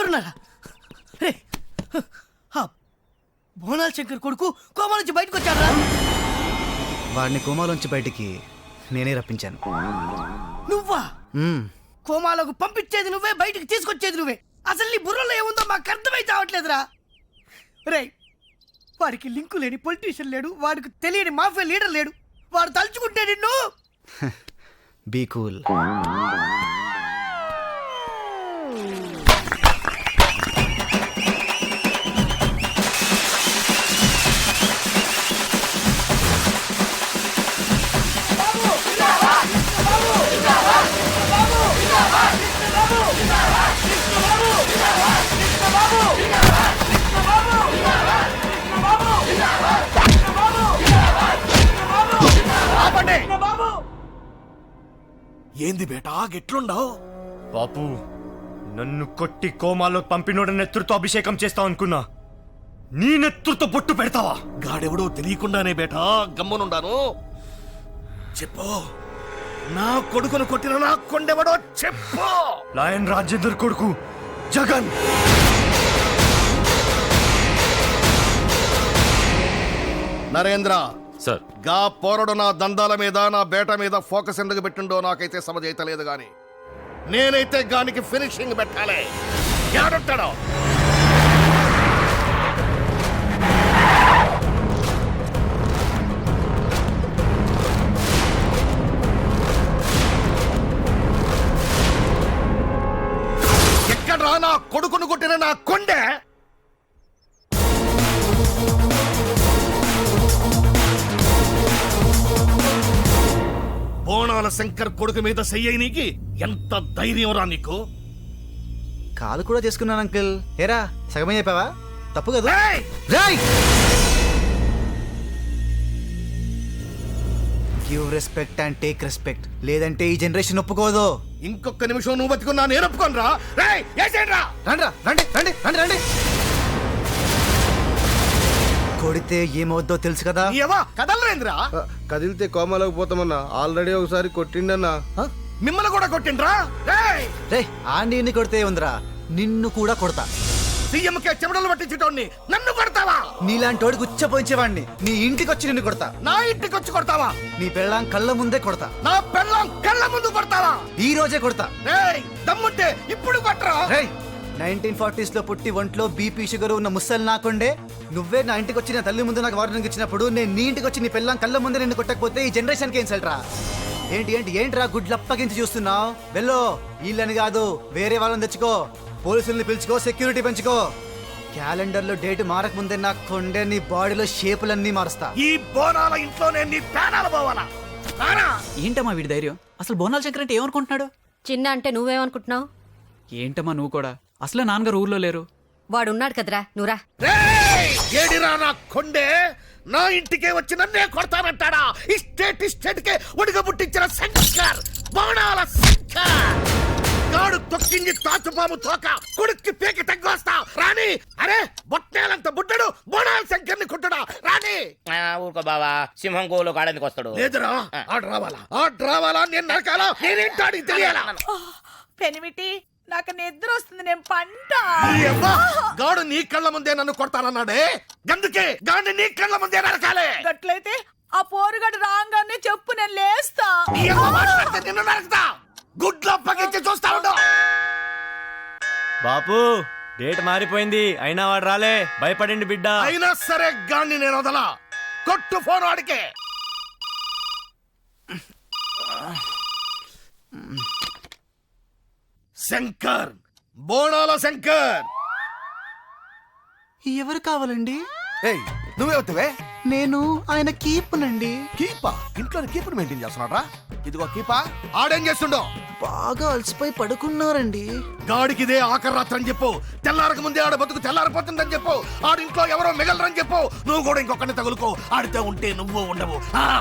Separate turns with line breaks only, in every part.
ఎక్కడున్నారా? రే, బోనాల శంకర్ కొడుకు కోమా నుంచి బయటకు వచ్చారా?
వాడిని కోమాలోంచి బయటికి నేనే రప్పించాను.
నువ్వా? కోమాలకు పంపించేది నువ్వే, బయటికి తీసుకొచ్చేది నువ్వే. అసలు నీ బుర్రలో ఏముందో మాకు అర్థమై చావట్లేదురా. రే, వాడికి లింకు లేని పొలిటీషియన్ లేడు, వాడికి తెలియని మాఫియా లీడర్ లేడు. వాడు తలుచుకుంటే నిన్ను.
Be cool.
ఏంది బేటా గెట్లుండవు?
బాపు, నన్ను కొట్టి కోమాలో పంపినోడ నెత్తురుతో అభిషేకం చేస్తావు అనుకున్నా. నీ నెత్తురుతో బొట్టు పెడతావా?
గాడెవడో తెలియకుండానే బేటా గమ్మునుండాను. చెప్పు, నా కొడుకును కొట్టిన నా కొండెవడో చెప్పు.
లాయన్ రాజేందర్ కొడుకు జగన్.
నరేంద్ర
సార్,
గా పోరడు నా దందాల మీద, నా బేట మీద ఫోకస్ ఎందుకు పెట్టిండో నాకైతే సమజైతలేదు గాని నేనైతే గానికి ఫినిషింగ్ పెట్టాలి. ఎవడుంటాడో ఎక్కడ్రా నా కొడుకును కొట్టిన నా కొండె? బోనాల శంకర్ కొడుకు మీద చెయ్యనికి ఎంత ధైర్యం రా నీకు?
కాలు కూడా చేసుకున్నాను అంకుల్. ఏరా, సగమే చెప్పావా? తప్పు కదా.
రేయ్!
Give respect and take respect, లేదంటే ఈ జనరేషన్ ఒప్పుకోదు.
ఇంకొక నిమిషం నువ్వు బతుకున్నా నేను ఒప్పుకోను రా.
రండి రండి రండి రండి. కొడితే ఏమవుద్దో తెలుసు కదా.
కదలరేంద్రా?
కదిలితే కోమాలోకి పోతామన్నా. ఆల్రెడీ ఒకసారి కొట్టిండన్నా.
మిమ్మల్ని కూడా కొట్టిండ్రా?
రే, ఆండీని కొడితే ఉందిరా, నిన్ను కూడా కొడతా.
సీఎంకే చెమటలు పట్టించేటోడిని నన్ను కొడతావా?
నీలాంటి వాడికి ఉచ్చపోయించేవాడిని నీ ఇంటికి వచ్చి నిన్ను కొడతా.
నా ఇంటికి వచ్చి కొడతావా?
నీ పెళ్ళాం కళ్ళ ముందే కొడతా.
నా పెళ్ళాం కళ్ళ ముందు కొడతావా?
ఈ రోజే కొడతా.
దమ్ముంటే ఇప్పుడు కొట్టరా?
1940s లో పుట్టి ఒంట్లో బీపీ షుగర్ ఉన్న ముసలి నాకుండే నువ్వే నా ఇంటికి వచ్చి నా తల్లి ముందు నాకు వార్నింగ్ ఇచ్చినప్పుడు నేను నీ ఇంటికి వచ్చి నీ పెళ్ళాం కళ్ళ ముందే నిన్ను కొట్టకపోతే ఈ జనరేషన్కి ఏం సెల్ట్రా? ఏంట్రా గుడ్లప్పగించి చూస్తున్నావు? వెళ్ళు, వీళ్ళని కాదు వేరే వాళ్ళని తెచ్చుకో, పోలీసుల్ని పిలుచుకో, సెక్యూరిటీ పెంచుకో. క్యాలెండర్ లో డేట్ మారక ముందే నా కొండే నీ బాడీలో షేపులన్నీ మారుస్తా.
ఈ బోనాల ఇంట్లోనే నీ ప్రాణాలు పోవాలా?
ఏంటమ్మా వీడి ధైర్యం? అసలు బోనాల శంకర్ అంటే ఏమనుకుంటున్నాడు?
చిన్న అంటే నువ్వేమనుకుంటున్నావు?
ఏంటమ్మా నువ్వు కూడా? అసలే నాన్నగారు ఊర్లో లేరు.
వాడున్నాడు కదరా, నువ్వురా.
ఏడిరా నా కొండే? నా ఇంటికే వచ్చి నన్నే కొడతానంటాడా? ఇస్టేట్ కే ఒడిగ పుట్టించిన శంకర్, బోనాల శంకర్ గాడు తొక్కింది తాచుపాము తోక, కొడుక్కి పేకి తగ్గొస్తా రాని. అరే, బొట్టేలంత బుడ్డడు బోనాల శంకర్ని కొట్టడా రాని?
ఊరుకో బావా, సింహం గోలో కాడానికి వస్తాడు.
లేదురా, ఆడు రావాలా నేను నరకాలా? నేనేంటాడికి తెలియాలా?
పెనిమిటి, నాకు నిద్ర వస్తుంది, నేను పంట.
గాడు నీ కళ్ళ ముందే నన్ను కొడతానన్నాడే, గందుకే గాడిని నీ కళ్ళ ముందే నరకాలే.
గట్లయితే ఆ పోరుగడు రాగానే చెప్పు, నేను లేస్తా.
నిన్ను నరకతా, గుడ్లో పగించి చూస్తా ఉండు.
బాపు, డేట్ మారిపోయింది, అయినా వాడు రాలే. భయపడండి బిడ్డ.
అయినా సరే గాడిని నేను వదలా. కొట్టు ఫోన్ వాడికే. శంకర్, బోనాల శంకర్.
ఎవరు కావాలండి?
నువ్వే వస్తావే?
నేను ఆయన కీపునండి.
కీపా? ఇంట్లో కీపుని మెయింటైన్ చేస్తున్నాడా? ఇదిగో కీపా. ఆడేం చేస్తుండో?
బాగా అలసిపోయి పడుకున్నారండి.
గాడికి ఇదే ఆఖరి రాత్రి అని చెప్పు. తెల్లారక ముందే ఆడ బతుకు తెల్లారిపోతుందని చెప్పు. ఆడింట్లో ఎవరో మిగలరని చెప్పు. నువ్వు కూడా ఇంకొకరిని తగులుకో. ఆడితే ఉంటే నువ్వు ఉండవు.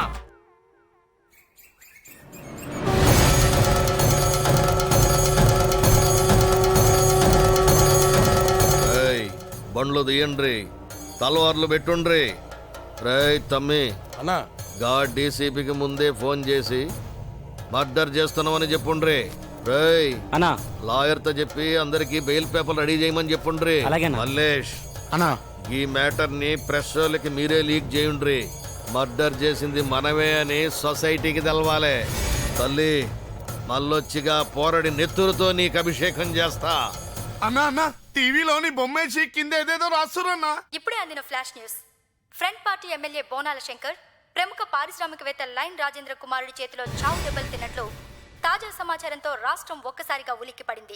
బండ్లు తీయండ్రి, తలవార్లు పెట్టుండ్రి. రేయ్ తమ్మి అన్నా, గా డీసీపీకి ముందే ఫోన్ చేసి మర్డర్ చేస్తున్నామని చెప్పుండ్రి. రేయ్
అన్నా
లాయర్ తో చెప్పి అందరికి బెయిల్ పేపర్ రెడీ చేయమని చెప్పుండ్రి.
అలాగేనా.
మల్లేష్
అన్నా
ఈ మ్యాటర్ ని ప్రెస్ వాళ్ళకి మీరే లీక్ చేయండ్రి. మర్డర్ చేసింది మనమే అని సొసైటీకి తెలవాలి. తల్లి మళ్ళొచ్చిగా పోరడి నెత్తురుతో నీకు అభిషేకం చేస్తా.
అన్నా అన్నా టీవీలోని బొమ్మేసి కింద ఏదేదో రాస్తున్నా.
ఇప్పుడే అందిన flash news. Front party MLA Bonala Shankar ప్రముఖ పారిశ్రామికవేత్త లైన్ రాజేంద్ర కుమారుడి చేతిలో చావు దెబ్బలు తిన్నట్లు తాజా సమాచారంతో రాష్ట్రం ఒక్కసారిగా ఉలిక్కిపడింది.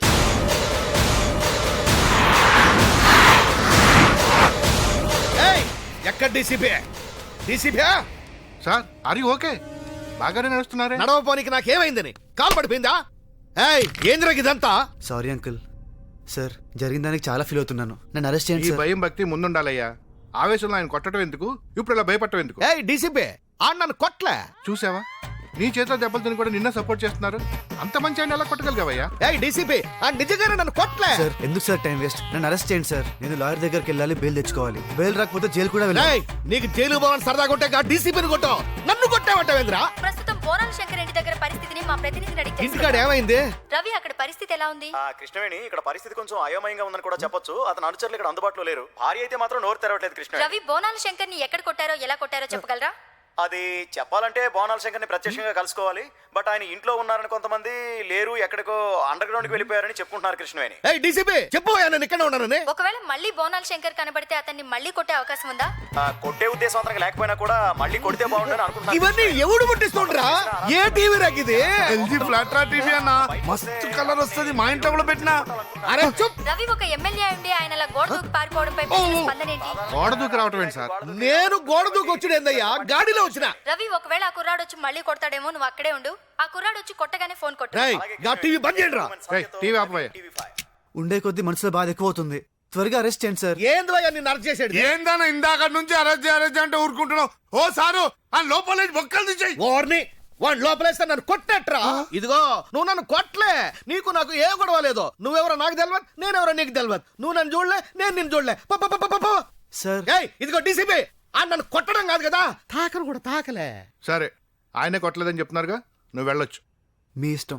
ఎక్కడ డీసీపీ? డీసీపీ
సార్ అది ఓకే బాగానే నడుస్తున్నారే.
నడవపోనికి నాకేమైందని కాలు పడిపోయిందా? ఏయ్ ఏంద్రకి ఇదంతా?
Sorry uncle. సార్ జరిగిన దానికి చాలా ఫీల్ అవుతున్నాను. నన్ను అరెస్ట్
ఈ
చేయండి సార్.
భయం భక్తి ముందుండాలయ్యా. ఆవేశంలో ఆయన కొట్టడం ఎందుకు, ఇప్పుడు ఇలా భయపడటం ఎందుకు?
ఏయ్ డీసీపీ ఆడు నన్ను కొట్లే.
చూసావా, నీ చేతిలో దెబ్బలు తిని కూడా నిన్న సపోర్ట్ చేస్తున్నారు. అంత మంచి ఆయన ఎలా కొట్టగలిగావయ్యా?
ఏయ్ డీసీపీ ఆ నిజంగానే నన్ను కొట్లే.
సార్ ఎందుకు సార్ టైం వేస్ట్? నన్ను అరెస్ట్ చేయండి సార్. నేను లాయర్ దగ్గరికి వెళ్ళాలి, బెయిల్ తెచ్చుకోవాలి. బెయిల్ రాకపోతే జైలు కూడా వెళ్ళాలి.
ఏయ్ నీకు జైలు పోవాలని సరదా కొట్టే డీసీపీని కొట్టావు, నన్ను కొట్టావంటావేంద్రా?
ప్రస్తుతం బోనాల శంకర్ ఇంటి దగ్గర పరిస్థితిని మా ప్రతినిధిని అడిగి
ఇంటికాడ
తెలుసుకున్నాం.
ఏమైంది?
రవి అక్కడ పరిస్థితి ఎలా ఉంది?
కృష్ణవేణి ఇక్కడ పరిస్థితి కొంచెం అయోమయంగా ఉందని కూడా చెప్పొచ్చు. అతని అనుచరులు ఇక్కడ అందుబాటులో లేరు. భార్య అయితే మాత్రం నోరు తెరవట్లేదు. కృష్ణ
రవి బోనాల శంకర్ ని ఎక్కడ కొట్టారో ఎలా కొట్టారో చెప్పగలరా?
అది చెప్పాలంటే బోనాల శంకర్ని ప్రత్యక్షంగా కలుసుకోవాలి. బట్ ఆయన ఇంట్లో ఉన్నారని కొంతమంది, లేరు ఎక్కడికో అండర్ గ్రౌండ్ కి వెళ్ళిపోయారని చెప్పుకుంటున్నారు. కృష్ణవేణి
ఏయ్ డీసీపీ చెప్పు నేను ఇక్కడ ఉన్నానని.
ఒకవేళ మళ్ళీ బోనాల శంకర్ కనబడితే అతన్ని మళ్ళీ కొట్టే అవకాశం ఉందా?
కొట్టే ఉద్దేశం అతనికి లేకపోయినా కూడా మళ్ళీ కొడితే బాగుండని అనుకుంటున్నారు.
ఇవన్నీ ఎవడు పుట్టిస్తుండ్రా? ఏ టీవీ రాకిది?
ఎల్జీ ఫ్లాట్ రా టీవీ అన్న, మస్తు కలర్ వస్తుంది. మా ఇంట్లో కూడా పెట్టినా.
అరే చూప్.
రవి ఒక ఎమ్మెల్యే ఉండి ఆయన అలా గోడ దూకి పారిపోవడంపై ప్రజల స్పందన ఏంటి?
గోడ దూకి రావటం ఏంటి సార్?
నేను గోడ దూకి వచ్చుడేందయ్యా, గాడిలో వచ్చిన.
రవి ఒకవేళ ఆ కుర్రాడు వచ్చి మళ్ళీ కొడతాడేమో, నువ్వు అక్కడే ఉండు. ఆ కుర్రాడు వచ్చి కొట్టగానే ఫోన్ కొట్టు.
రేయ్ గా టీవీ బంద్ చేయండి రా.
టీవీ ఆపవయ్యా.
ఉండే కొద్దీ మనసులో బాధ ఎక్కువ అవుతుంది. త్వరగా అరెస్ట్ చేయండి సార్.
ఏందయ్యా నిన్ను అరెస్ట్ చేసేది?
ఏందన్నా ఇందాక నుంచి అరెస్ట్ అంటే ఊరుకుంటున్నావు? ఓ సారు ఆ లోపల బొక్కలు తీసేయి.
ఓర్ని వాడు లోపలేస్తే నన్ను కొట్టట్రా. ఇదిగో నువ్వు నన్ను కొట్టలే, నీకు నాకు ఏ గొడవ లేదు. నువ్వెవరో నాకు తెలియదు, నేనెవరో నీకు తెలియదు. నువ్వు నన్ను చూడలే, నేను నిన్ను చూడలే.
సార్
ఏయ్ ఇదిగో డీసీపీ ఆ నన్ను కొట్టడం కాదు కదా, తాకను కూడా తాకలే.
సరే ఆయనే కొట్టలేదని చెప్తున్నారుగా, నువ్వు వెళ్ళొచ్చు.
మీ ఇష్టం.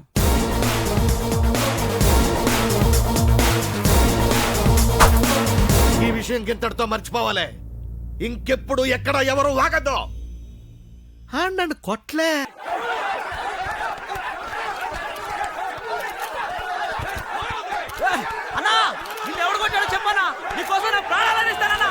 ఈ విషయం గింతటితో మర్చిపోవాలి. ఇంకెప్పుడు ఎక్కడ ఎవరు వాగద్దు. నన్ను కొట్లే.
అన్నా నిన్ను ఎవడు కొట్టాడో చెప్పన్నా, నీకోసం నా ప్రాణాలను ఇస్తానన్నా.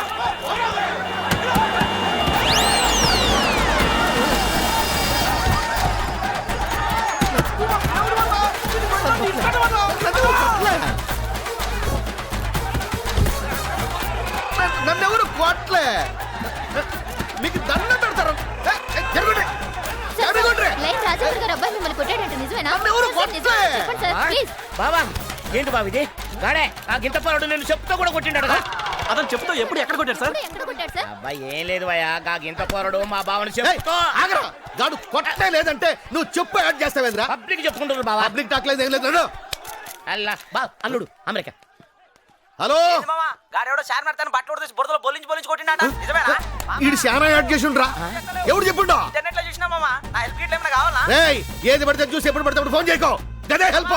నన్నెవరు కొట్లే, మీకు దండం పెడతారు. జరగండి జరగండి. నన్నెవరు కొట్లే.
బాబా ఏంటి బాబు ఇది? గాడే ఆ గింత పరుడు నేను చెప్తా కూడా కొట్టిండాడు కదా.
అతను చెప్తూ ఎప్పుడు ఎక్కడ కొట్టాడు సార్?
అబ్బాయి ఏం లేదు భయ్యా, గా గింత పోరడు మా బావని చెప్తా.
ఆగరా, గాడు కొట్టే లేదంటే నువ్వు చెప్పు యాడ్ చేస్తావేంద్రా?
పబ్లిక్ చెప్పుకుంటారు బాబా.
పబ్లిక్ టాక్ లేదు ఏం లేదు.
అల్లా బా అల్లుడు అమెరికా.
హలో
గాడెవడో చార్మినార్ తన బట్టలు తీసి బురదలో బొల్లించి కొట్టిండట, నిజమేనా?
ఈడు శానా యాడ్ చేసి ఉండరా? ఎవడు చెప్పుండో?
ఇంటర్నెట్ లో చూసినా మామా. నా హెల్ప్ గిట్ల ఏమైనా కావాలా?
ఏయ్ ఏది పడితే చూసి ఎప్పుడు పడితే అప్పుడు ఫోన్ చేయకో. గదే హెల్ప్.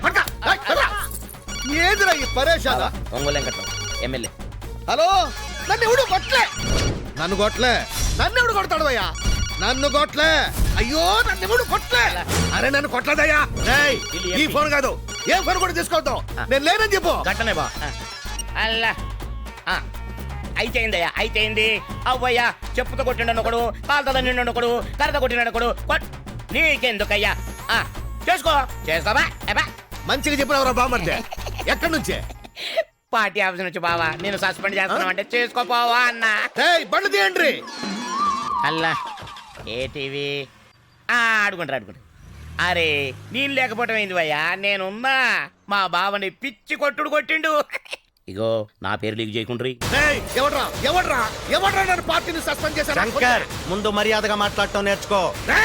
ఏదిరా ఈ పరేషానా?
ఒంగోలు వెంకట్రావు ఎమ్మెల్యే.
హలో నన్ను ఎవడు కొట్లే. నన్ను కొట్లే. నన్ను ఎవడు కొడతాడు అయ్యా? నన్ను కొట్లే. అయ్యో నన్ను ఎవడు కొట్లే. అరే నన్ను కొట్టలేదయ్యా. ఏయ్ ఈ ఫోన్ కాదు, ఏ ఫోన్ కూడా తీసుకోవద్దు. నేను లేనని చెప్పు.
గట్టనే బా. అల్లా అయితే అయిందయ్యా, అయితే అయింది. అవ్వయ్యా చెప్పుతో కొట్టిండను ఒకడు, కాలుతో నిండు ఒకడు, కర్రతో కొట్టినాడు ఒకడు. నీకెందుకయ్యా? చేసుకో చేసుకోబా.
మంచిగా చెప్పినవరా బామర్దే. ఎక్కడి నుంచే?
పార్టీ ఆఫీస్ నుంచి బావా నేను సస్పెండ్ చేస్తున్నావు అంటే చేసుకోపోవా అన్న.
బండి తీయండి.
అల్లా ఏ టీవీ ఆడుకుంటారు. అరే నేను లేకపోవటం ఏంది భయ్యా, నేనున్నా. మా బావని పిచ్చి కొట్టుడు కొట్టిండు. ఇగో నా పేరు లీక్ చేయకుండ్రి.
ఎవడ్రా ఎవడ్రా ఎవడ్రా నన్ను పార్టీని సస్పెండ్ చేశారు?
శంకర్ ముందు మర్యాదగా మాట్లాడటం నేర్చుకో.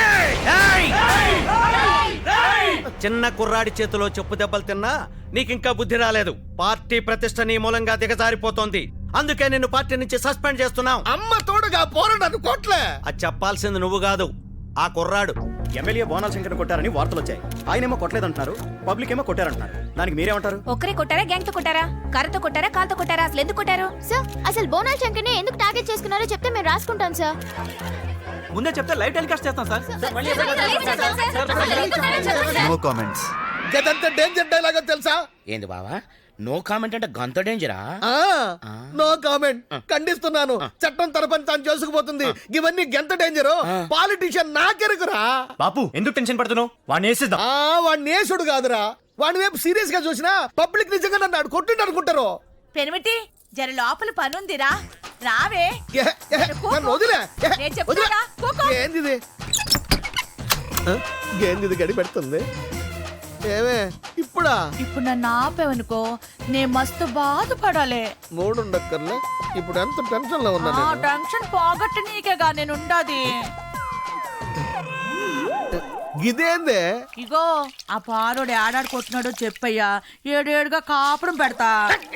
చిన్న కుర్రాడి చేతిలో చెప్పు దెబ్బలు తిన్నా నీకింకా బుద్ధి రాలేదు. పార్టీ ప్రతిష్ట నీ మూలంగా దిగజారిపోతోంది. అందుకే నిన్ను పార్టీ నుంచి సస్పెండ్ చేస్తున్నాం.
అమ్మ తోడుగా పోరా నన్ను కొట్లే.
అది చెప్పాల్సింది నువ్వు కాదు, ఆ కుర్రాడు.
ఎమ్మెల్యే బోనాల శంకర్ కొట్టారని వార్తలు వచ్చాయి. ఆయనేమో కొట్టలేదంటున్నారు, పబ్లిక్ ఏమో కొట్టారంటున్నారు. దానికి మీరేమంటారు?
ఒక్కరే కొట్టారా, గ్యాంగ్ తో కొట్టారా, కర్రతో కొట్టారా, కాల్తో కొట్టారా, అసలు ఎందుకు కొట్టారు?
సార్ అసలు బోనాల శంకర్ని ఎందుకు టార్గెట్ చేసుకున్నారో చెప్తే మేము రాసుకుంటాం సార్.
ముందే చెప్తే లైవ్ టెలికాస్ట్ చేస్తాం సార్.
No comments.
గదంత డేంజర్ డైలాగ్ తెలుసా?
ఏంది బావా నో కామెంట్ అంటే గంత డేంజరా?
No comment. ఖండిస్తున్నాను. చట్టం తరపని తాను చేసుకుపోతుంది. ఇవన్నీ గెంత డేంజర్. పాలిటిషియన్ నాకెరుకురా.
బాపు ఎందుకు టెన్షన్ పడుతున్నావు? వాడిని వేసేద్దాం.
వాడు నేసుడు కాదురా. వాడి వైపు సీరియస్ గా చూసినా పబ్లిక్ నిజంగా నన్ను కొట్టిండు అనుకుంటారు.
పెనిమిటి జర లోపల పనుందిరా, రావే.
నన్ను వదిలే.
నేను చెప్తారా, కూకో.
ఏంది ఏంది గడి పెడుతుంది? ఏమే ఇప్పుడా?
ఇప్పుడు నన్ను ఆపేవనుకో నేను మస్తు బాధపడాలి.
మూడుండక్కర్లే. ఇప్పుడు ఎంత టెన్షన్ లో ఉన్నా నేను.
టెన్షన్ పోగొట్టు నీకేగా నేను ఉండాది.
ఇదేందే?
ఇగో ఆ పారోడు ఏడాడు కొట్టినాడో చెప్పయ్యా, ఏడేడుగా కాపురం పెడతా.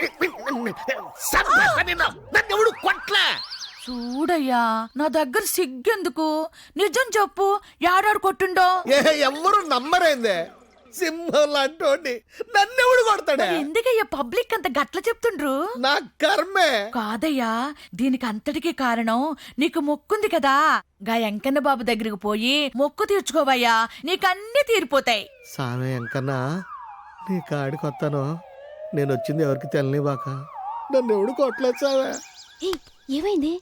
ఎవడు కొట్లా?
చూడయ్యా నా దగ్గర సిగ్గెందుకు, నిజం చెప్పు, ఏడాడు కొట్టుండో.
ఎవ్వరు నమ్మరేందే? సింహం లాంటి నన్నెవడు కొడతాడే?
ఎందుకయ్యా పబ్లిక్ అంత గట్ల చెప్తుండ్రు?
నా కర్మే.
కాదయ్యా, దీనికి అంతటికి కారణం నీకు మొక్కుంది కదా. గా ఎంకన్న బాబు దగ్గరికి పోయి మొక్కు తీర్చుకోవయ్యా, నీకన్నీ తీరిపోతాయి.
సామే ఎంకన్నా, నీ కాడికి వస్తాను. నేను వచ్చింది ఎవరికి తెలియబాక. నన్ను ఎవడు కొట్టలేదు సామే.
ఏమైంది?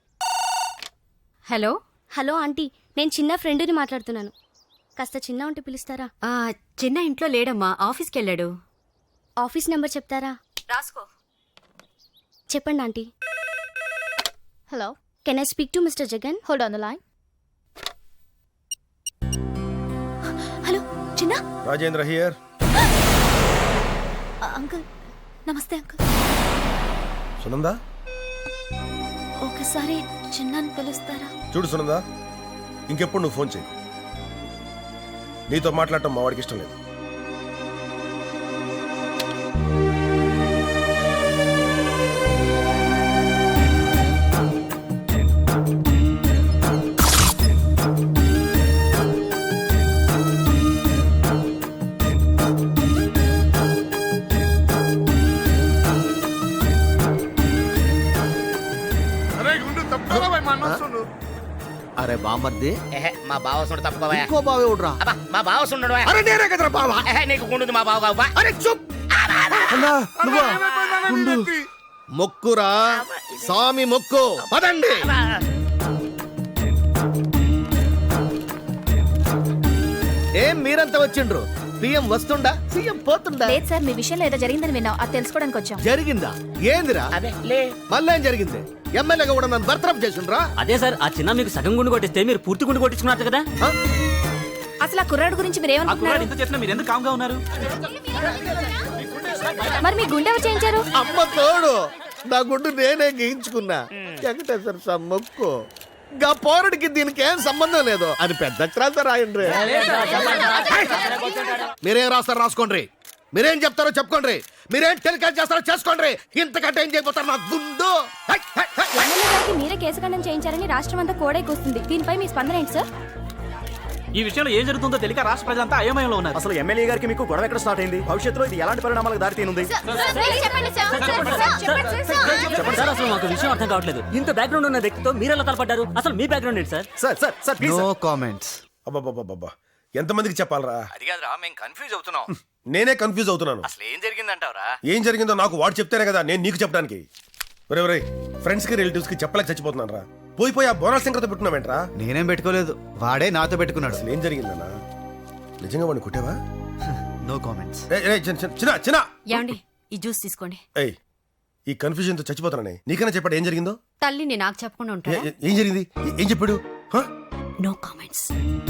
హలో
హలో ఆంటీ, నేను చిన్న ఫ్రెండ్ని మాట్లాడుతున్నాను. కాస్త చిన్న ఉంటే పిలుస్తారా?
చిన్న ఇంట్లో లేడమ్మా, ఆఫీస్కి వెళ్ళాడు.
ఆఫీస్ నెంబర్ చెప్తారా?
రాసుకో.
చెప్పండి aunty. Hello, can I speak to mister Jagan? Hold on the line. Hello Chinna.
Rajendra here.
Uncle నమస్తే అంకుల్.
సునందా,
ఒకసారి చిన్నని పిలుస్తారా?
చూడు సునందా, ఇంకెప్పుడు నువ్వు ఫోన్ చేయి. నీతో మాట్లాడటం మా వాడికి ఇష్టం లేదు.
అరే గుండు తప్పుకోరా భయ్, మా అన్న వస్తుండు.
అరే బామర్ది,
మా బావ సుండు తప్పుకోవా.
ఇంకో బావే ఉడ్రా.
మా బావ సుండు.
అరే నేనే కదరా బావా.
నీకు గుండు మా బావ కావా?
అరే చూప్. మొక్కురా స్వామి మొక్కు. పదండి. ఏం మీరంతా వచ్చిండ్రు? పిఎం వస్తుండా, సీఎం పోతుండా?
లేదు సార్, మీ విషయంలో ఏదో జరిగిందని విన్నాం, అది తెలుసుకోవడానికి వచ్చాం.
జరిగిందా? ఏందిరా? మళ్ళీ ఏం జరిగింది? ఎమ్మెల్యేగా కూడా నన్ను బర్తరఫ్ చేసిండ్రా?
అదే సార్, ఆ చిన్న మీకు సగం గుండు కొట్టిస్తే మీరు పూర్తి గుండు కొట్టించుకున్నారు కదా.
అసలు ఆ కుర్రాడు గురించి మీరు ఏమనుకుంటున్నారు?
ఇంత చేసినా మీరు ఎందుకు కామ్గా ఉన్నారు?
మరి మీ గుండె ఎవరు చేయించారు?
అమ్మ తోడు, నా గుండు నేనే గీయించుకున్నా. వెంకటేశ్వర స్వామి మొక్కు. గా పోరడికి దీనికి ఏం సంబంధం లేదు అని పెద్ద అక్షరాలతో రాయండి. మీరేం రాస్తారో రాసుకోండి, మీరేం చెప్తారో చెప్పుకోండి, మీరేం టెలికాస్ట్ చేస్తారో చేసుకోండి. ఇంతకంటే ఏం చేయబోతారు నా గుండు?
ఎమ్మెల్యే గారికి మీరే కేసుఖండం చేయించారని రాష్ట్రం అంతా కోడైకొస్తుంది. దీనిపై మీ స్పందన ఏంటి సార్?
ఈ విషయంలో ఏం జరుగుతుందో తెలియక రాష్ట్ర ప్రజలంతా అయోమయంలో ఉన్నారు. అసలు ఎమ్మెల్యే గారికి మీకు గొడవ ఎక్కడ స్టార్ట్ అయింది? భవిష్యత్తులో ఇది ఎలాంటి పరిణామాలకు దారి తీనుంది? చెప్పండి సార్, అసలు మాకు విషయం అర్థం కావట్లేదు. ఇంత బ్యాక్గ్రౌండ్ ఉన్న వ్యక్తితో మీరు ఎలా తలపడ్డారు? అసలు మీ బ్యాక్గ్రౌండ్ ఏంటి sir? Sir sir sir please.
No comments.
అబ్బబ్బబ్బబ్బా, ఎంతమందికి చెప్పాలరా?
అది కాదురా, మేము కన్ఫ్యూజ్ అవుతున్నాం.
నేనే కన్ఫ్యూజ్ అవుతున్నాను.
అసలు ఏం జరిగిందంటావరా?
ఏం జరిగిందో నాకు వాడు చెప్తేనే కదా నేను నీకు చెప్పడానికి. ఒరే ఫ్రెండ్స్ కి రిలేటివ్స్ కి చెప్పలేక చచ్చిపోతున్నాను రా. పోయి ఆ బోనాల శంకర్తో పెట్టుకున్నావేంట్రా?
నేనేం పెట్టుకోలేదు, వాడే నాతో పెట్టుకున్నాడు.
అసలు ఏం జరిగిందన్నా? నిజంగా వాడిని కొట్టావా?
No comments.
చిన్న
ఏమండి ఈ జ్యూస్ తీసుకోండి.
ఏయ్, ఈ కన్ఫ్యూజన్ తో చచ్చిపోతానని నీకన్నా చెప్పాడు ఏం జరిగిందో?
తల్లిని నాకు చెప్పకుండా ఉంటారా?
ఏం జరిగింది? ఏం చెప్పాడు?
No comments.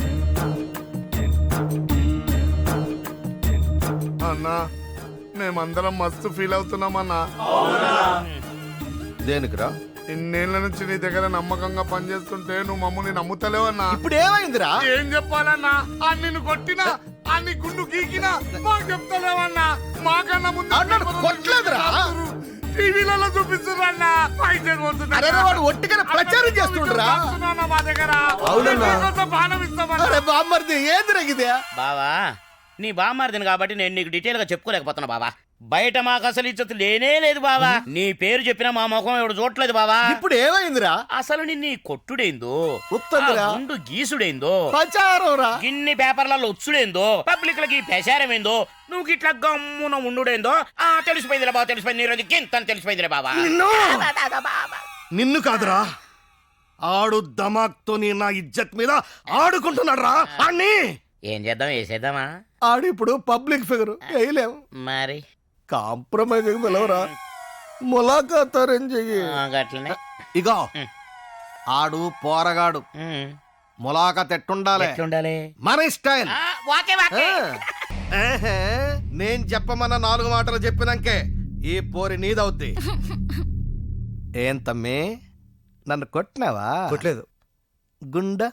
అన్నా మేమందరం మస్తు ఫీల్ అవుతున్నామన్నా.
దేనికిరా?
ఇన్నేళ్ల నుంచి నీ దగ్గర నమ్మకంగా పనిచేస్తుంటే నువ్వు మమ్మల్ని నమ్ముతలేవన్నా.
ఇప్పుడు ఏమైందిరా?
ఏం చెప్పాలన్నా? ఆ నిన్ను కొట్టినా, ఆ నీ గుండు గీకినా మాకు చెప్తలేవన్నా. మాకన్నా ముందు
కొట్టలేదురా?
టీవీలలో చూపిస్తున్నారు. వస్తున్నా పైసలు వస్తున్నా
అరే వాడు ఒట్టిగా ప్రచారం చేస్తుండ్రా.
మా దగ్గర
అవునన్నా.
బాణం ఇస్తామన్నా.
అరే బామ్మర్ది ఏంది రగిదే?
బావా నీ బామ్మారిదిని కాబట్టి నేను నీకు డీటెయిల్ గా చెప్పుకోలేకపోతున్నా బావా. బయట మాకు అసలు ఇచ్చత లేనే లేదు బావా. నీ పేరు చెప్పినా మా ముఖం ఎవడు చూడట్లేదు బావా.
ఇప్పుడు ఏమైందిరా?
అసలు నిన్ను ఈ కొట్టుడేందో,
ఉత్తదురా.
ఆ గుండు గీసుడేందో,
ప్రచారం రా.
గిన్ని పేపర్లలో వచ్చుడేందో, పబ్లిక్ లకి ప్రచారమేందో, నువ్వు ఇట్లా గమ్మున ఉండుడేందో తెలిసిపోయిందిలే బావ. తెలిసిపోయింది, ఈ రోజు గింత తెలిసిపోయిందిలే బావా.
నిన్ను కాదురా, ఆడు దమాక్తో నా ఇజ్జత్ మీద ఆడుకుంటున్నాడు రా. అన్ని
ఏం చేద్దాం, వేసేద్దామా?
ఆడు ఇప్పుడు పబ్లిక్ ఫిగర్, వేయలేము.
మరి
కాంప్రమైజ్ పిలవరా, ములాఖాత్ అరేంజ్ చెయ్యి.
గట్లనే
ఇగో ఆడు పోరగాడు, ములాఖాత్ ఎట్టుండాలి?
ఎట్లుండాలి?
మన స్టైల్.
వాకే వాకే.
ఏహే, నేను చెప్పమన్న 4 మాటలు చెప్పినాకే ఈ పోరి నీదవుద్ది. ఏం తమ్మి, నన్ను కొట్టినావా?
కొట్టలేదు.
గుండా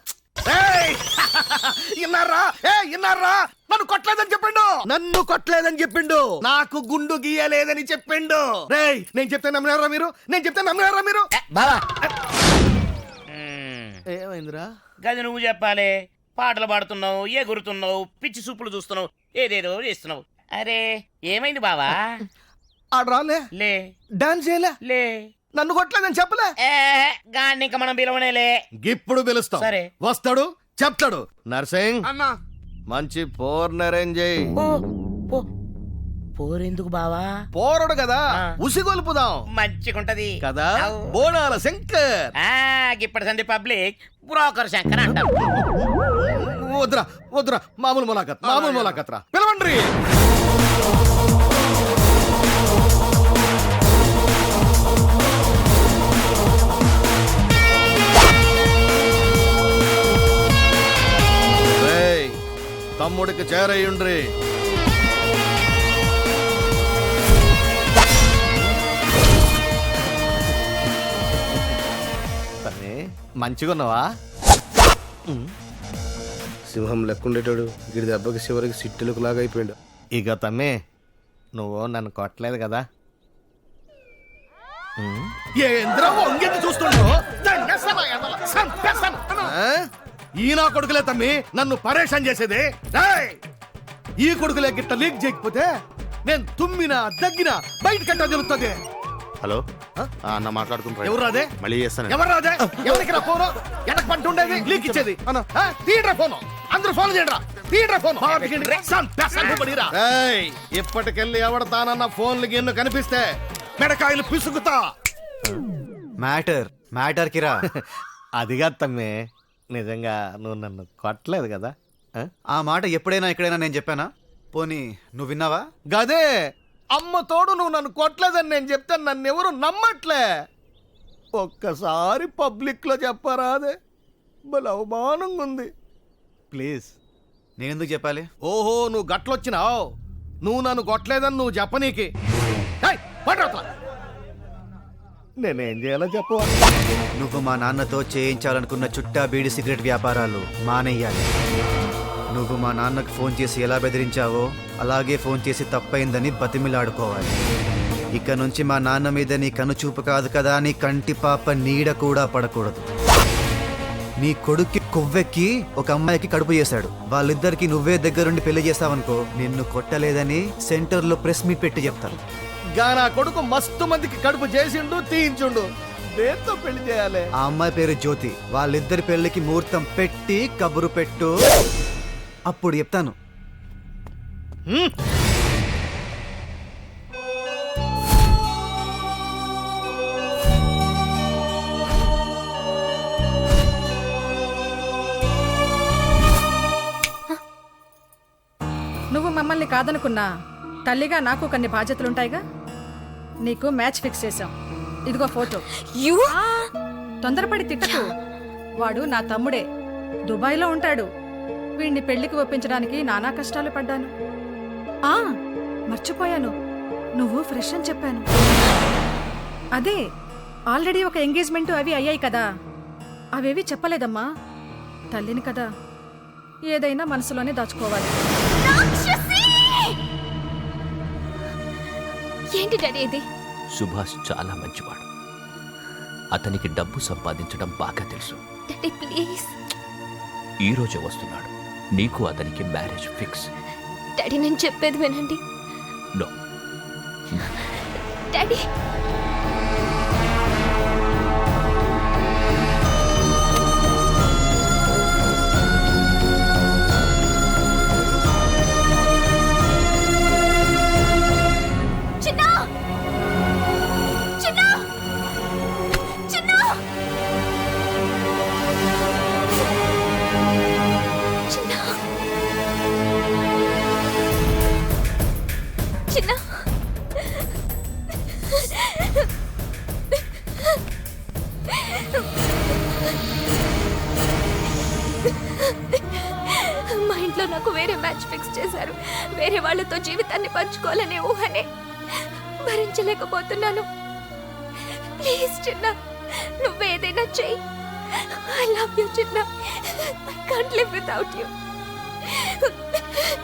ఇన్నారా? ఇన్నారా? నన్ను కొట్టలేదని చెప్పిండు. నన్ను కొట్టలేదని చెప్పిండు. నాకు గుండు గీయలేదని చెప్పిండు. రేయ్, నేను చెప్తే నమ్మినారా మీరు? నేను చెప్తే నమ్మినారా మీరు?
బావా
ఏమైందిరా?
గది నువ్వు చెప్పాలి. పాటలు పాడుతున్నావు, ఎగురుతున్నావు, పిచ్చి సూపులు చూస్తున్నావు, ఏదేదో చేస్తున్నావు. అరే ఏమైంది బావా?
ఆడు రాలే,
లే
డాన్స్ చేయలే,
లే
నన్ను కొట్టలేదని చెప్పలే.
గాన్ని ఇంకా మనం పిలవనేలే.
ఇప్పుడు పిలుస్తాం.
సరే.
వస్తాడు, చెప్తాడు. నర్సింగ్
అన్నా
మంచి పోర్ని అరేంజ్ చేయి.
పోరెందుకు బావా?
పోరడు కదా,
ఆ.
ఉసిగొల్పుదాం
మంచిగుంటది
కదా.
అవు.
బోనాల శంకర్.
ఇప్పటి సంది పబ్లిక్ బ్రోకర్ శంకర్ అంటారు.
వద్దురా వద్దురా, మామూలు ములాఖత్, మామూలు ములాఖత్ రా. పిలవండి. రేయ్, తమ్ముడికి చేరయ్యుండ్రి. మంచిగున్నావా?
సింహం లెక్కుండేటాడు, గిడి దెబ్బకి చివరికి సిట్టులకు లాగా అయిపోయాడు.
ఇక తమ్మి, నువ్వు నన్ను కొట్టలేదు కదా? ఈ నా కొడుకులే తమ్మి నన్ను పరేషాన్ చేసేది. రేయ్, ఈ కొడుకులే గిట్ట లీక్ చేయకపోతే నేను తుమ్మినా దగ్గినా బయట కట్టా తెలుస్తుంది.
హలో అన్న మాట్లాడుకుంటా.
ఎవరు రాదే?
మళ్ళీ చేస్తాను.
ఎవరు రాదే? ఎవరికి రా ఫోను? ఎనక పంట ఉండేది లీక్ ఇచ్చేది. తీయడ్రా ఫోను, అందరూ ఫోన్ చేయడ్రా. తీయడ్రా ఫోను. ఇప్పటికెళ్ళి ఎవడతానన్న ఫోన్లు గిన్ను కనిపిస్తే మెడకాయలు పిసుకుతా.
మ్యాటర్ కిరా.
అదిగా తమ్మి, నిజంగా నువ్వు నన్ను కొట్టలేదు కదా?
ఆ మాట ఎప్పుడైనా ఎక్కడైనా నేను చెప్పానా? పోనీ నువ్వు విన్నావా?
గదే, అమ్మ తోడు నువ్వు నన్ను కొట్టలేదని నేను చెప్తే నన్ను ఎవరు నమ్మట్లే. ఒక్కసారి పబ్లిక్ లో చెప్పరాదే, భలే అవమానంగా ఉంది.
ప్లీజ్, నేనెందుకు చెప్పాలి?
ఓహో, నువ్వు గట్లొచ్చినావు. నువ్వు నన్ను కొట్టలేదని నువ్వు చెప్పనీకి. నేనేం చేయాలో చెప్పు.
నువ్వు మా నాన్నతో చేయించాలనుకున్న చుట్టా బీడి సిగరెట్ వ్యాపారాలు మానేయాలి. నువ్వు మా నాన్నకు ఫోన్ చేసి ఎలా బెదిరించావో అలాగే ఫోన్ చేసి తప్పైందని బతిమిలాడుకోవాలి. ఇక నుంచి మా నాన్న మీద నీ కనుచూపు కాదు కదా, నీ కంటి పాప నీడ కూడా పడకూడదు. నీ కొడుక్కి కొవ్వెక్కి ఒక అమ్మాయికి కడుపు చేశాడు. వాళ్ళిద్దరికి నువ్వే దగ్గరుండి పెళ్లి చేస్తావనుకో, నిన్ను కొట్టలేదని సెంటర్లో ప్రెస్ మీట్ పెట్టి చెప్తాను.
నా కొడుకు మస్తు మందికి కడుపు చేసిండు, తీయించుండు. దేంతో పెళ్లి చేయాలి?
ఆ అమ్మాయి పేరు జ్యోతి. వాళ్ళిద్దరి పెళ్లికి ముహూర్తం పెట్టి కబురు పెట్టు, అప్పుడు చెప్తాను.
నువ్వు మమ్మల్ని కాదనుకున్నా తల్లిగా నాకు కొన్ని బాధ్యతలుంటాయిగా. నీకు మ్యాచ్ ఫిక్స్ చేశాం. ఇదిగో ఫోటో. తొందరపడి తిట్టకు. వాడు నా తమ్ముడే, దుబాయ్లో ఉంటాడు. వీడిని పెళ్లికి ఒప్పించడానికి నానా కష్టాలు పడ్డాను. మర్చిపోయాను, నువ్వు ఫ్రెష్ అని చెప్పాను. అదే, ఆల్రెడీ ఒక ఎంగేజ్మెంట్ అవి అయ్యాయి కదా, అవేవి చెప్పలేదమ్మా. తల్లిని కదా, ఏదైనా మనసులోనే దాచుకోవాలి.
ఏంటి డాడీ ఇది?
సుభాష్ చాలా మంచివాడు.
అతనికి డబ్బు సంపాదించడం బాగా తెలుసు.
Daddy please.
ఈ రోజే వస్తున్నాడు. నీకు అతనికి మ్యారేజ్ ఫిక్స్.
డాడీ నేను చెప్పేది వినండి.
నో.
డాడీ మా ఇంట్లో నాకు వేరే మ్యాచ్ ఫిక్స్ చేశారు. వేరే వాళ్ళతో జీవితాన్ని పంచుకోవాలనే ఊహనే భరించలేకపోతున్నాను. ప్లీజ్ చిన్న, నువ్వేదైనా చెయ్యి. I love you Chinna. I can't live without you.